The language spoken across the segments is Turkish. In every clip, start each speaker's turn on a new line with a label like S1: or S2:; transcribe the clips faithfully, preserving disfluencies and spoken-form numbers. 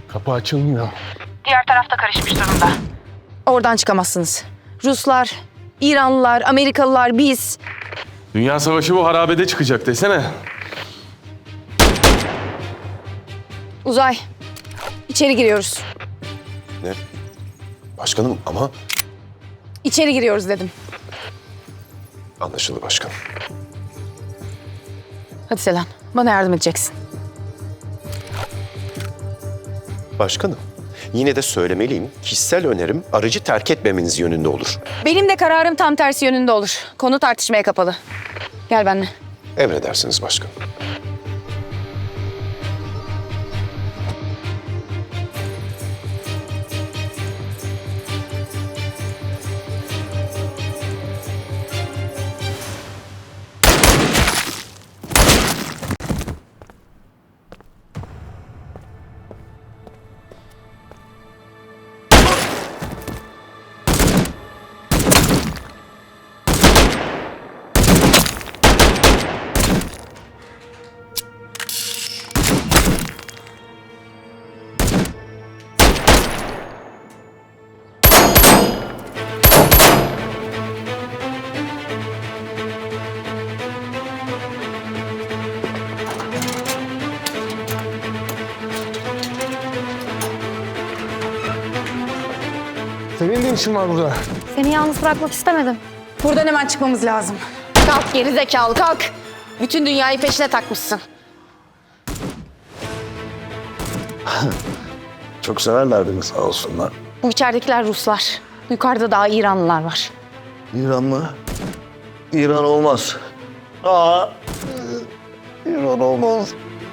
S1: Kapı açılmıyor.
S2: Diğer tarafta karışmış durumda.
S3: Oradan çıkamazsınız. Ruslar, İranlılar, Amerikalılar, biz.
S1: Dünya savaşı bu harabede çıkacak desene.
S3: Uzay, içeri giriyoruz.
S4: Ne? Başkanım ama
S3: İçeri giriyoruz dedim.
S4: anlaşıldı başkanım.
S3: Hadi Selen, bana yardım edeceksin.
S4: Başkanım, yine de söylemeliyim. Kişisel önerim aracı terk etmemeniz yönünde olur.
S3: Benim de kararım tam tersi yönünde olur. Konu tartışmaya kapalı. Gel benimle.
S4: Emredersiniz başkanım.
S1: Senin de işin var burada.
S3: Seni yalnız bırakmak istemedim. Buradan hemen çıkmamız lazım. Kalk geri zekalı kalk. Bütün dünyayı peşine takmışsın.
S5: Çok severler beni sağ olsunlar.
S3: Bu içeridekiler Ruslar. Yukarıda daha İranlılar var.
S5: İran mı? İran olmaz. Aa, İran olmaz.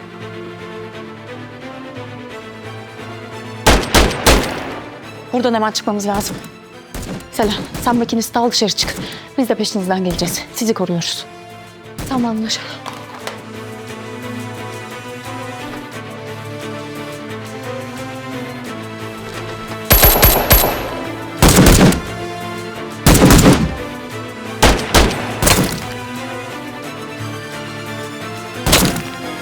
S3: Buradan hemen çıkmamız lazım. Selen, sen makinisti al dışarı çık. Biz de peşinizden geleceğiz. Sizi koruyoruz. Tamam anlaşıldı.